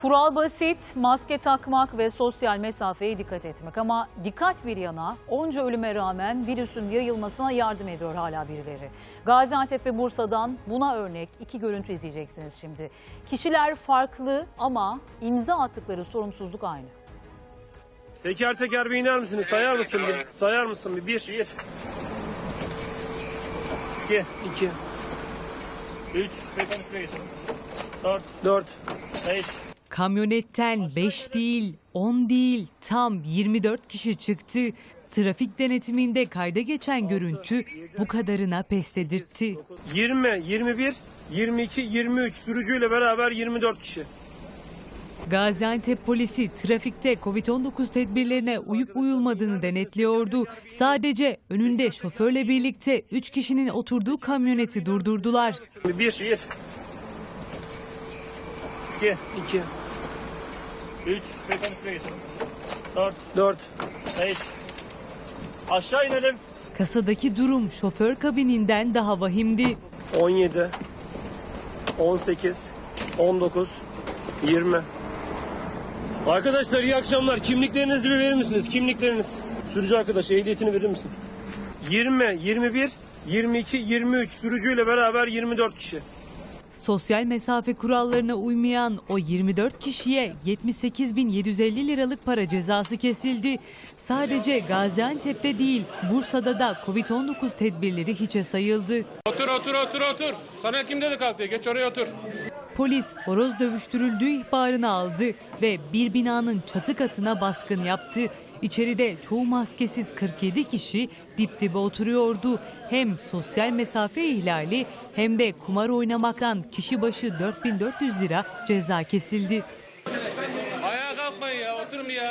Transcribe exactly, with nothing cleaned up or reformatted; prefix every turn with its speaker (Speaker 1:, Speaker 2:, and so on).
Speaker 1: Kural basit, maske takmak ve sosyal mesafeye dikkat etmek. Ama dikkat bir yana onca ölüme rağmen virüsün yayılmasına yardım ediyor hala birileri. Gaziantep ve Bursa'dan buna örnek iki görüntü izleyeceksiniz şimdi. Kişiler farklı ama imza attıkları sorumsuzluk aynı.
Speaker 2: Teker teker bir iner misiniz? Sayar mısın bir? Sayar mısın bir? Bir. Bir. İki. İki.
Speaker 3: Üç. Beton üstüne geçelim. Dört.
Speaker 2: Dört.
Speaker 3: Beş.
Speaker 4: Kamyonetten beş değil, on değil, tam yirmi dört kişi çıktı. Trafik denetiminde kayda geçen görüntü bu kadarına pes dedirtti.
Speaker 2: Yirmi, yirmi bir, yirmi iki, yirmi üç sürücüyle beraber yirmi dört kişi.
Speaker 4: Gaziantep polisi trafikte Covid on dokuz tedbirlerine uyup uyulmadığını denetliyordu. Sadece önünde şoförle birlikte üç kişinin oturduğu kamyoneti durdurdular.
Speaker 2: Bir. Bir. İki. İki.
Speaker 3: Üç. Beton üstüne geçelim. Dört.
Speaker 2: Dört.
Speaker 3: Beş. Aşağı inelim.
Speaker 4: Kasadaki durum şoför kabininden daha vahimdi.
Speaker 2: On yedi. On sekiz. On dokuz. Yirmi. Arkadaşlar iyi akşamlar. Kimliklerinizi bir verir misiniz? Kimlikleriniz. Sürücü arkadaş ehliyetini verir misin? Yirmi, yirmi bir, yirmi iki, yirmi üç sürücüyle beraber yirmi dört kişi.
Speaker 4: Sosyal mesafe kurallarına uymayan o yirmi dört kişiye yetmiş sekiz bin yedi yüz elli liralık para cezası kesildi. Sadece Gaziantep'te değil, Bursa'da da Covid on dokuz tedbirleri hiçe sayıldı.
Speaker 5: Otur otur otur otur. Sana kim dedi kalk diye, geç oraya otur.
Speaker 4: Polis horoz dövüştürüldüğü ihbarını aldı ve bir binanın çatı katına baskın yaptı. İçeride çoğu maskesiz kırk yedi kişi dip dibe oturuyordu. Hem sosyal mesafe ihlali hem de kumar oynamaktan kişi başı dört bin dört yüz lira ceza kesildi.
Speaker 5: Ayağa kalkmayın ya, oturun bir ya.